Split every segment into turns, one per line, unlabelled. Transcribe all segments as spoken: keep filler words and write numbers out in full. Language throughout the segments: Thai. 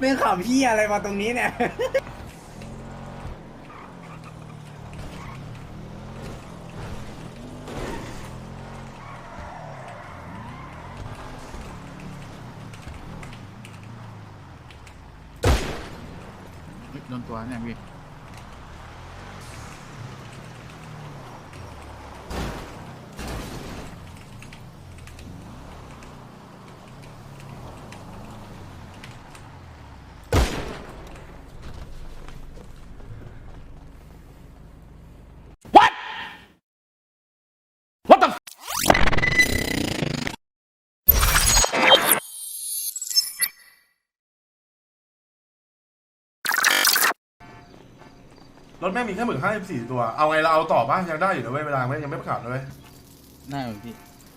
รื่องข่าวพี่อะไรมาตรงนี้เนี่ย
โดนตัวเนี่ยพี่
รถแม่งมีแค่หมื่นห้าสิบสี่ตัวเอาไงเราเอาต่อป่ะยังได้อยู่นะเว้ยเวลาไม่ยังไม่ประกาศเลย
น่าพี่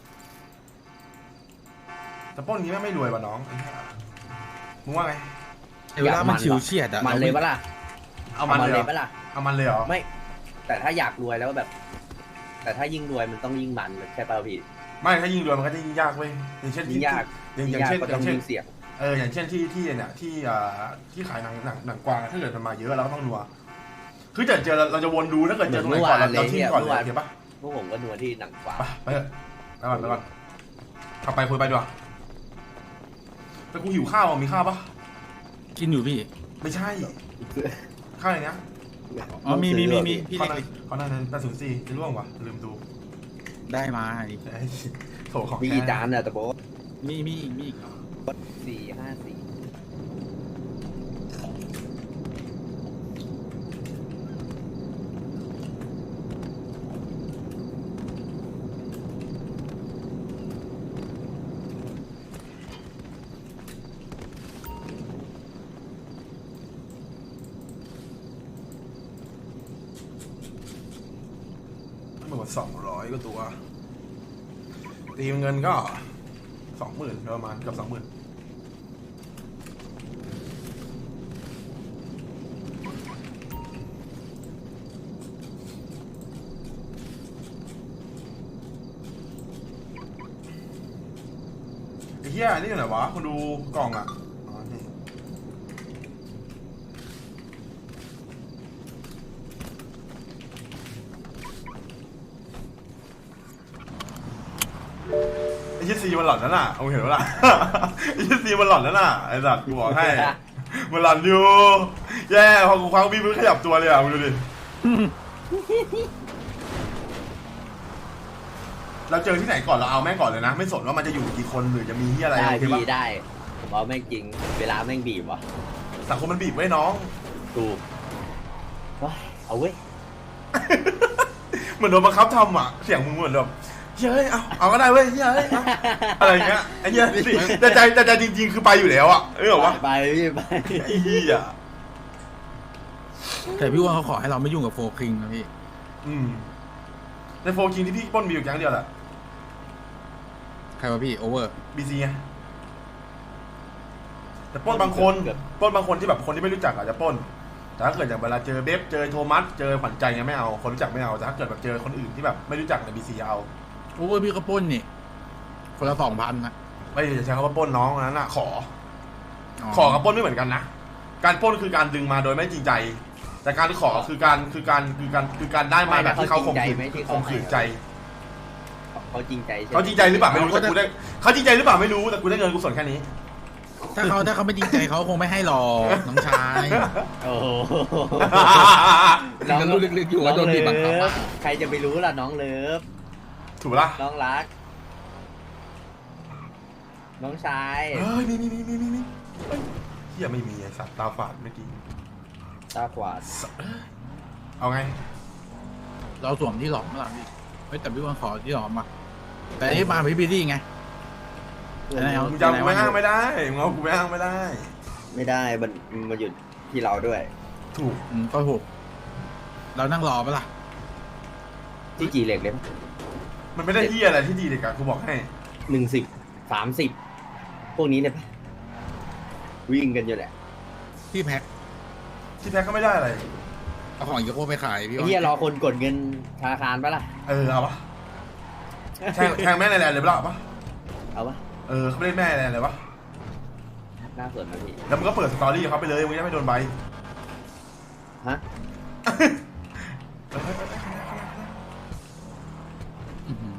แต่ปล้นนี้แม่งไม่รวยว่ะน้องไอ้เหี้ยมึงว่าไง
เวลามันชิวเฉียดอะ
มันเลยปะล่ะ
เอามันเลยเหร
เลย
อ
ปะล่ะ
เอามันเลยเหรอ
ไม่ แต่ถ้าอยากรวยแล้วแบบ แต่ถ้ายิ่งรวยมันต้องยิ่งมันใช่ป่ะพี่
ไม่ถ้ายิ่งรวยมันก็จะยิ่งยากเว้ยอย่างเช่น
ยิ่งยาก
อย่าง
ยิ่
อง ย่าง
ยาก
เช่น
ก็
อ
ต้อย่าง
งเช่น
ยิ่งเสี่ยง
เอออย่างเช่นที่ที่เนี่ยที่อ่าที่ขายหนังหนังหนังกวางถ้าเกิดมันมาเยอะเราก็ต้องนัวคือเจอเจอเราจะวนดูถ้าเกิดเจอตรงไหนก่อนเราเราทิ้งก่อนเลยโอเคปะ
พวกผมก็นัวที่หนังกว่า
ไปไปเถอะไปก่อนไปก่อนขับไปคุยไปดีกว่าแต่กูหิวข้าวอ่ะมีข้าวปะ
กินอยู่พี่
ไม่ใช่ข้าวอย่างเงี้ย
อ๋อมีมีมีมีพี่
ข้าว
เล็
นั้น
ก
ข้าวนั้นแปดศูนย์สี่จะร่วงวะลืมดู
ได้มาดิ
ไอ้โถของ
มี
แท้
จานอะแต่โบ๊ท
มีมีอีกมีอีก
สี่ห้าสี่
หมดสองร้อยก็ตัวตีเงินก็สองหมื่นประมาณเกับสองหมื่นไอ้เหี้ยนี่อยู่ไหนวะคุณดูกล่องอ่ะอ๋อนี่ไอ้เหี้ยซีมันหลอนนั่นน่ะเอาเห็นปะล่ะ ไอ้เหี้ยซีมันหลอนนั่นน่ะไอ้สัตว์กูบอกให้ มันหลอนอยู่แย่พอกูคว้างพี่มึงขยับตัวเลยอ่ะมึงดูดิ เราเจอที่ไหนก่อนเราเอาแม่งก่อนเลยนะ ไม่สนว่ามันจะอยู่กี่คนหรือจะมีที่อะไร
ได้
โอเค
พี่
ปะ
ได้ผมเอาแม่งจริงเวลาแม่งบีบวะ
สังคมมันบีบไว้น้อง
ถูกว้ายเอาเว้ย
เหมือนโดนบังคับทำอ่ะเสียงมึงเหมือนแบบเฮ้ยเอาเอาก็ได้เว้ยเฮ้ยเอาอะไรอย่างเงี้ยไอ้เหี้ยสิแต่ใจแต่ใจจริงๆคือไปอยู่แล้วอ่ะเออวะ
ไปพี่ไป
ไอ้เหี้ย
แต่พี่ว่าเขาขอให้เราไม่ยุ่งกับโฟคิงนะพี่
อืมในโฟกิงที่พี่ปล้นมีอยู่แก๊งเดียวแหละ
ใครวะพี่โอเวอร์
บีซีไงแต่ปล้นบางคนปล้นบางคนที่แบบคนที่ไม่รู้จักอาจจะปล้นแต่ถ้าเกิดอย่างเวลาเจอเบฟเจอโทมัสเจอขวัญใจไงไม่เอาคนรู้จักไม่เอาแต่ถ้าเกิดแบบเจอคนอื่นที่แบบไม่รู้จักในบีซีเอา
โอเวอร์พี่ก็ปล้นนี่คนละสองพันนะ
ไม่จะใช้คำว่าปล้นน้องอันนั้นอ่ะขอ ขอกับปล้นไม่เหมือนกันนะ การปล้นคือการดึงมาโดยไม่จริงใจ แต่การขอคือการคือการคือการคือการได้มาแบบที่เขาข่มขืนข่มขืนใจ
เขาจริงใจใช่ไหม
เขาจริงใจหรือเปล่าไม่รู้แต่กูได้เขาจริงใจหรือเปล่าไม่รู้แต่กูได้เงินกูส่วนแค่นี้
ถ้าเขาถ้าเขาไม่จริงใจเขาคงไม่ให้หรอกน้องชาย
โอ้โห
ก็รู้ลึกๆอยู่ว่าโดนบีบบังคับ
น้อง
อะ
เลิฟใครจะไปรู้ล่ะน้องเลิฟ
ถูกปะล่ะ
น้องรัก น้องชาย
เฮ้ยมีมีมีมีมีมีเฮ้ยเฮียไม่มีไอ้สัตว์ตาฝาดเมื่อกี้
ตาขวาด
สัตว์เอ้ยเอาไง
เราสวมที่หลอมมาหลังพี่เฮ้ยแต่พี่ว่าขอที่หลอมมาแต่ที่มาพี่บีดี้ไง ไหนเอา
มึงจะเอากูไม่อ้างไม่ได้มึงเอากูไม่อ้างไม่ได้
ไม่ได้มันมันอยู่ที่เราด้วย
ถูก
อืมก็ถูกเรานั่งรอปะล่ะ
ที่จีเหล็กเลย
มันไม่ได้เฮียอะไรที่ดีเลยกันกูบอกให้
หนึ่งสิบสามสิบพวกนี้เนี่ยวิ่งกันอยู่แหละ
พี่แพ็ค
ที่แท้ก็ไม่ได้อะไร
เอาของอีกโก้ไปขายพี่
ไอ้เหี้ยรอคนกดเงินธนาคารปะล่ะ
เออเอาปะแทงแทงแม่ในแลนด์เลยปะล่ะเอาปะ
เอาปะ
เออเขาไม่ได้แม่ในแลนด์เลยปะ
หน้าสวนนะพี่
แล้วมึงก็เปิดสตอรี่เขาไปเลยมึงจะไม่โดนใบ
ฮะ
อื้อหือ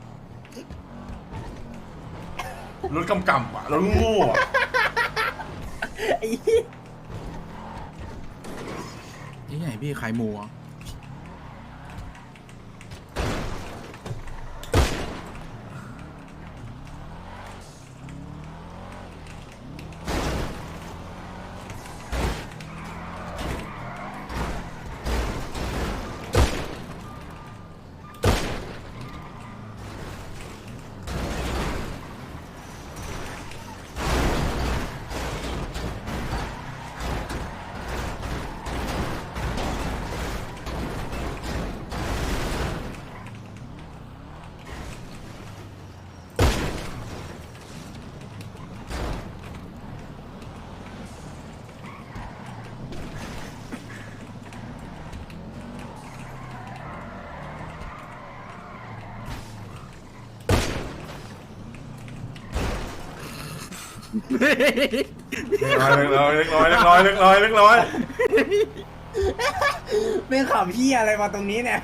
รถกำกำว่ะรถโง่อะ
ไอ้เหี้ย
นี่ไหนพี่ขายหมูอ่ะ
เล็กน้อยเล็กน้อยเล็กน้อยเล็กน้อยเล็กน้อย
ไม่ขำพี่อะไรมาตรงนี้เนี่ย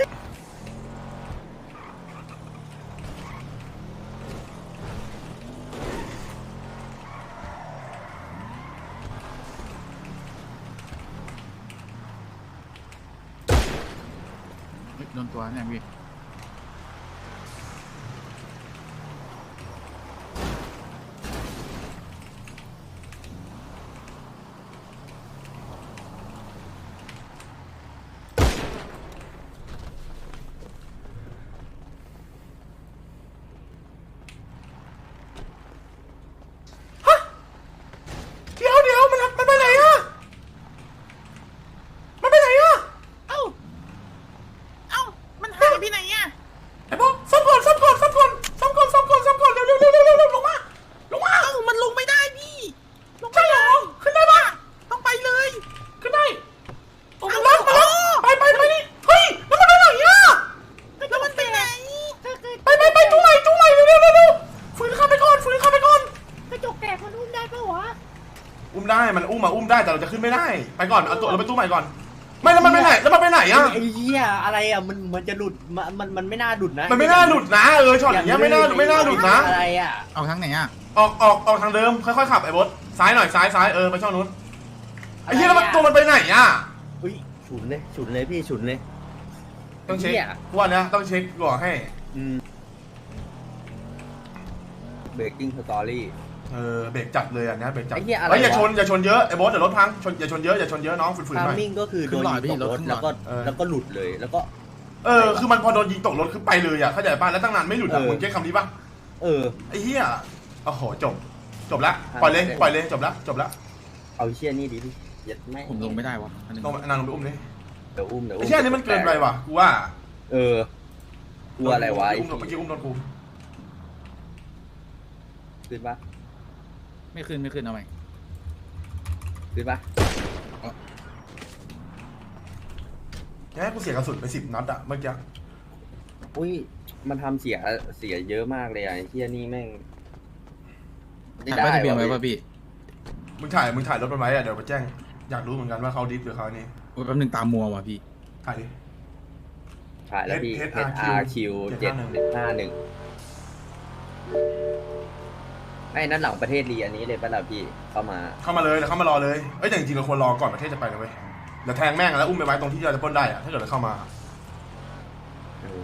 เฮ้ยโดนตัวเนี่ยพี่
เดี๋ยวเดี๋ยวมันมันไปไหนอะมันไปไหนอะ
เอ้าเอ้ามันหายไปไหนอ่ะ
ไอ้พวกซ่อมก่อนซ่อมก่อนซ่อมก่อนซ่อมก่อนซ่อมก่อนซ่อมก่อนเร็วเร็วเร็วเร็วเร็วเร็วลงมาลงมา
เอ้ามันลงไม่ได้พี่ลง
ใช่เหรอขึ้นได้ปะ
ต้องไปเลย
ขึ้นได้โอ้มาแล้วมาแล้วไปไปไปนี่เฮ้ยแล้วมันไปไหนอะ
แล้วมันไปไหน
ไปไปไปจุ้งใหม่จุ้งใหม่เร็วเร็วเร็วเร็วฝืนเข้าไปก่อนฝืนเข้าไปก่อน
กระจกแตกมันอุ้มได้ปะวะ
อุ้มได้มันอุ้มมาอุ้มได้แต่เราจะขึ้นไม่ได้ไปก่อนเอาตัวเราไปตู้ใหม่ก่อนไม่แล้วมันไปไหนแล้วมันไปไหนอะ
ไอ้เหี้ยอะไรอ่ะมันมันจะหลุดมันมันมันไม่น่าหลุดนะ
มันไม่น่าหลุดนะเออช็อตอย่างเงี้ยไม่น่าไม่น่าหลุดนะ
อะไรอ่ะ
เอาทางไหนอ่ะ
ออกออกออกทางเดิมค่อยๆขับไอ้บดซ้ายหน่อยซ้ายซ้ายเออไปช่องนู้นไอ้เหี้ยแล้วมันตัวมันไปไหนอะ
อุ้ยฉุนเลยฉุนเลยพี่ฉุนเลย
ต้องเช็ค
หี้ย
กูว่านะต้องเช็คก่อนให้
อืมเบรกกิ้งสตอรี่
เออเบรกจัดเลยอันเนี้ยเบรกจัด
ไอ้เหี้ยอะไร
เฮ้ยอย่าว
ะ
ชนอย่าชนเยอะไอ้บอสเดี๋ยวรถพังชนอย่าชนเยอะอย่าชนเยอะน้องฝืนๆ
ทา
หน่อย
มิ่งก็คือโดนยิงตกรถแล้วก็แล้วก็หลุดเลยแล้วก็
เออคือมันพอโดนยิงตกรถคือไปเลยอ่ะเข้าใจป่ะแล้วตั้งนานไม่หลุดอ่ะ
เออ
มึงเก็ตคำนี้ป่ะ
เออ
ไอ้เหี้ยโอ้โหจบจบละ
อ่ะ
ปล่อยเลย
โอเค
ปล่อยเลยจบละจบละ
เอาเชี่ยนี่ดิพี่ยัดไม่
ผมลงไม่ได้วะอันนึง
ลงนางลงไปอุ้มดิ
เดี๋ยวอุ้มเดี๋ยว
ไอ้
อุ้ม
เหี้ยนี่มันเกินไปว่ะกูว่า
เออ กลัวอะไรวะไอ้
อุ้มเมื่อกี้อุ้มโดนกู
ขึ้นปะ
ไม่ขึ้นไม่ขึ้นเอาใหม่
ขึ้นปะ
แค่กูเสียกระสุนไปสิบนัดอะเมื่อกี้
อุ้ยมันทำเสียเสียเยอะมากเลยอ่ะไอ้เชี่ยนี่แม่ง
ถ่ายป้ายทะเบียนไว้ป่ะพี่
มึงถ่ายมึงถ่ายรถมันไว้อะเดี๋ยวไปแจ้งอยากรู้เหมือนกันว่าเขาดิฟหรือเขานี่
โอ้ยแป๊บนึงตามมัวว่ะพี่
ถ่ายดิ
ถ่ายแล้วพี่
H
เอส อาร์ คิว เจ็ด ห้าหนึ่งไอ้นั่นหลังประเทศลีอันนี้เลยป่ะล่ะพี่เข้ามา
เข้ามาเลยแล้วเข้ามารอเลยเอ้ยแต่จริงๆเราควรรอก่อนประเทศจะไปนะเว้ยเดี๋ยวแทงแม่งแล้วอุ้มไปไว้ตรงที่เราจะปล้นได้อะถ้าเกิดเราเข้ามา
เออ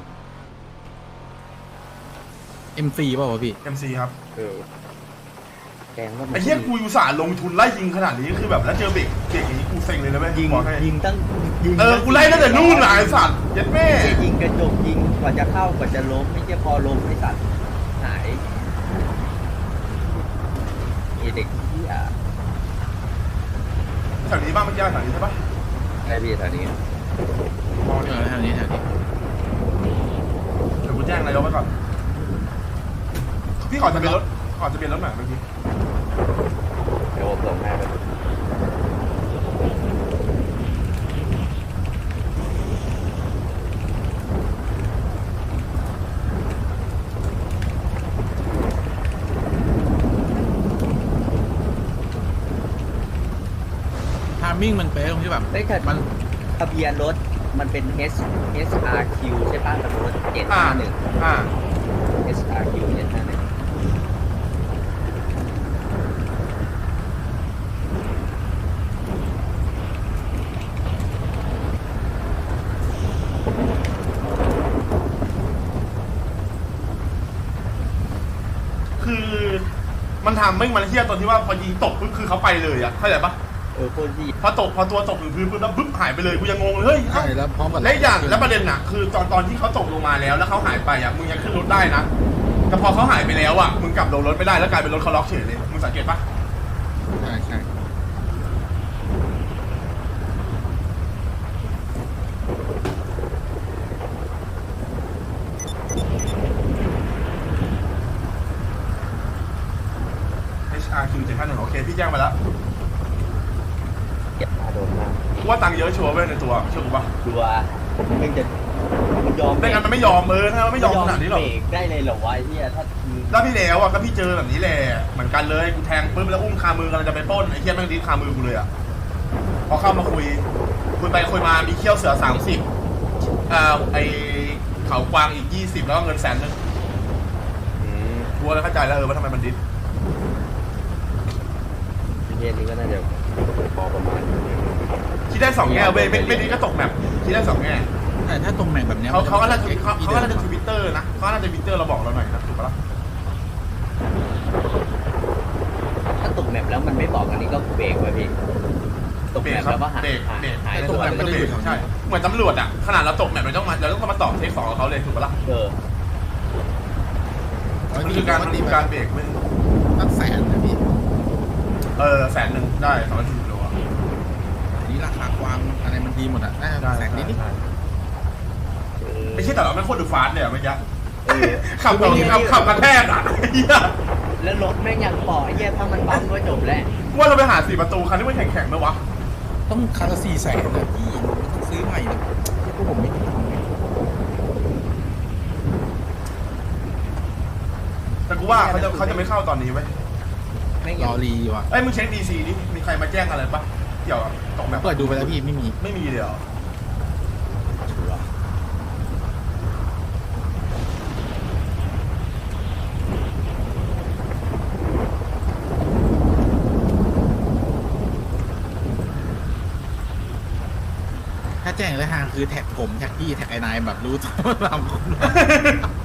เอ็มซีป่ะวะพี่
เอ็ม ซี ครับ
เออแกงก็
ไอ้เหี้ยกูอุตส่าห์ลงทุนไล่ยิงขนาดนี้คือแบบแล้วเจอเบรกเบรกอย่างนี้กูเซ็งเลยนะเว้ย
ยิง
บอกให้
ยิงตั้งยิง
เออกูไล่ตั้งแต่นู่นน่ะไอ้สัตว์เย็ดแม่
ยิงกระจกยิงกว่าจะเข้ากว่าจะล้มไม่ใช่พอล้มไอ้สัตว์หายไอ้เด็กที่อ่ะ
แถวนี้บ้างเมื่อกี้แถวนี้ใช่ปะ
ไอ้พี่แถวนี้
มอง
เอ
นี่
อแถวนี้แถวนี้
เดี๋ยวกูแจ้งนายกไว้ก่อนพี่ขอจะเป็นรถขอจะเป็นรถหน่อยเมื่อกี้
เดี๋ยวผมส่งให้ไป
มิ่งมันเป๊ะตรงที่แบบ
ไม่แต่
มัน
ทะเบียนรถมันเป็น H H R Q ใช่ป่ะทะเบียนรถเจ็ด
อ่า
ห้าหนึ่ง
อ่า
H R Q เจ็ดห้าหนึ่ง
คือมันทำไม่มันเฮี้ยตอนที่ว่าพอยิงตกปุ๊บคือเขาไปเลยอะเข้าใจปะ
เออโคตรดี
พอตกพอตัวตกถึงพื้นปุ๊บแล้วปุ๊บหายไปเลยกูยังงงเลยเฮ้ย
ใช่แล้วพร้อมกับ
และอีกอย่างแล้วประเด็นอะคือตอนตอนที่เขาตกลงมาแล้วแล้วเขาหายไปอะมึงยังขึ้นรถได้นะแต่พอเขาหายไปแล้วอะมึงกลับลงรถไม่ได้แล้วกลายเป็นรถเขาล็อกเฉยเลยมึงสังเกตปะ
ใช่ใช่
เอช อาร์ คิว เจ็ดห้าหนึ่งโอเคพี่แจ้งมาแล้ว
เก็บมาโดนมาก
กูว่าตังค์เยอะชัวร์เว้ยในตัวเชื่อกูปะ
ดูว่ามันจะมันยอม
ไม่งั้นมันไม่ยอมเออถ้ามันไม่ยอมขนาดนี้หรอก
เบรกได้เลยเหรอวะไอ้เหี้ยถ้ามึง
แล้วพี่แล้วอ่ะก็พี่เจอแบบนี้แหละเหมือนกันเลยกูแทงปุ๊บแล้วอุ้มคามือกำลังจะไปปล้นไอ้เหี้ยแม่งดิ้นคามือกูเลยอ่ะพอเข้ามาคุยคุยไปคุยมามีเขี้ยวเสือสามสิบอ่าไอเขากวางอีกยี่สิบแล้วก็เงินแสนนึง
อืม
กูเลยเข้าใจแล้วเออว่าทำไมมันดิ้น
ประเทศนี้ก็น่าจะพอประมาณ
คิดได้สองแง่เว้ยไม่ไม่ดิ้นก็ตกแมปคิดได้สองแง่
แต่ถ้าตรงแม่งแบบเนี้ย
เขาเขาก็น่าจะ
มัน
เขาเขาก็น่าจะทวิตเตอร์นะเขาก็น่าจะทวิตเตอร์เราบอกเราหน่อยนะถูกปะล่ะ
ถ้าตกแมปแล้วมันไม่บอกอันนี้ก็เบรกไว้พี่ตก
เบร
แม
ก
ป
ครั
แล้วก็
บ
หาย
เบรก
หาย
เบรก
หาย
ต
ตั
ก
ว
แมปไม่ได้อยู่ใช่เหมือนตำรวจอ่ะขนาดเราตกแมปเราต้องมาเราต้องมาต่อเทคสองกับเขาเลยถูกปะล่ะ
เออ
มันคือการมันคือการเบรกเว้ย
ตั้งแสนนะพี่
เออแสนหนึ่งได้สองร้อยสี่สิบโลอ่ะ
อันนี้ราคากวางอะไรมันดีหมดอ่ะน่าจะแสนนิดนิด
ไม่ใช่แต่เราไม่โคตรดูฟาสต์เลยอ่ะเมื่อกี้
เออ
ขับแบบขับขับกระแทกอ่ะเหี้ย
แล้วรถแม่งยังปล่อยไอ้เหี้ยถ้ามันบัมก็จบแล้ว
ว่าเราไปหาสี่ประตูคันที่มันแข็งๆไหมวะ
ต้องคันละสี่แสนนะพี่ต้องซื้อใหม่เลยพวกผมไม่
แต่กูว่าเขาจะเขาจะไม่เข้าตอนนี้เว้ย
แม่ง
ร
ยัง
อรีว่ะ
เอ้ยมึงเช็คดีซีดิมีใครมาแจ้งอะไรปะเกี่ยวกับตกแบบ
เปิดดูไปแล้วพี่ไม่มี
ไม่มีเลยเหรอ
ถ้าแจ้งเลยฮะคือแท็กผมแท็กพี่แท็กไอ้นายแบบรู้ตัวว่าเรา